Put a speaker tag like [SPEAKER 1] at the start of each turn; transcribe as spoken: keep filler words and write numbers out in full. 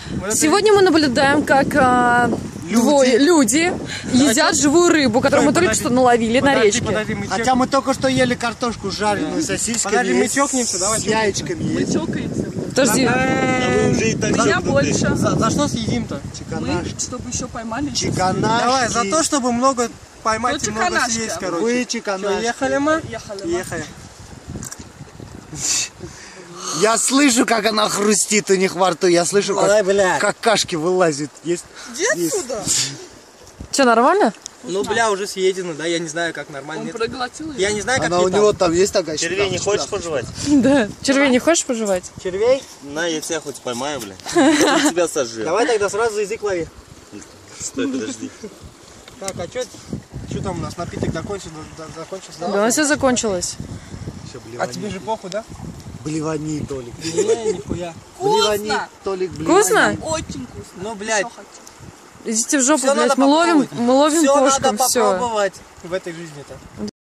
[SPEAKER 1] Сегодня мы наблюдаем, как а, люди, двое, люди едят живую рыбу, которую мы только что наловили подожди, на речке. Подожди,
[SPEAKER 2] мы Хотя мы только что ели картошку жареную с сосисками, подожди, мы чокнемся, давай, с яичками.
[SPEAKER 3] Мы чокаемся.
[SPEAKER 1] Подожди.
[SPEAKER 3] Меня больше.
[SPEAKER 2] За, за что съедим-то?
[SPEAKER 3] Мы, чтобы еще поймали.
[SPEAKER 2] Чиканашки. Давай, за то, чтобы много поймать
[SPEAKER 3] ну,
[SPEAKER 2] и много съесть, короче.
[SPEAKER 3] Вы
[SPEAKER 2] чиканашки. Ехали мы?
[SPEAKER 3] Ехали.
[SPEAKER 2] Ехали. Я слышу, как она хрустит у них во рту. Я слышу, как
[SPEAKER 4] Ой,
[SPEAKER 2] какашки вылазят. Есть?
[SPEAKER 3] Где отсюда?
[SPEAKER 1] Че, нормально?
[SPEAKER 2] Ну, бля, уже съедено, да? Я не знаю, как нормально.
[SPEAKER 3] Он проглотил ее?
[SPEAKER 2] Я не знаю, как
[SPEAKER 4] она у него там есть такая.
[SPEAKER 5] Червей не хочешь пожевать?
[SPEAKER 1] Да. Червей не хочешь пожевать?
[SPEAKER 2] Червей?
[SPEAKER 5] На, я тебя хоть поймаю, бля. Я тебя сожру.
[SPEAKER 2] Давай тогда сразу за язык лови.
[SPEAKER 5] Стой, подожди.
[SPEAKER 2] Так, а что что там у нас? Напиток закончился? закончился
[SPEAKER 1] Да, да все закончилось.
[SPEAKER 2] А тебе же похуй, да?
[SPEAKER 4] Блевани, Толик.
[SPEAKER 2] Не, нихуя.
[SPEAKER 4] Блевани,
[SPEAKER 3] Вкусно!
[SPEAKER 4] Толик, блевани.
[SPEAKER 1] Вкусно?
[SPEAKER 3] Очень вкусно.
[SPEAKER 2] Ну, блядь.
[SPEAKER 1] Идите в жопу,
[SPEAKER 2] Всё
[SPEAKER 1] блядь.
[SPEAKER 2] надо
[SPEAKER 1] Мы ловим,
[SPEAKER 2] попробовать.
[SPEAKER 1] мы ловим
[SPEAKER 2] Всё
[SPEAKER 1] кошкам,
[SPEAKER 2] надо
[SPEAKER 1] все.
[SPEAKER 2] попробовать в этой жизни-то.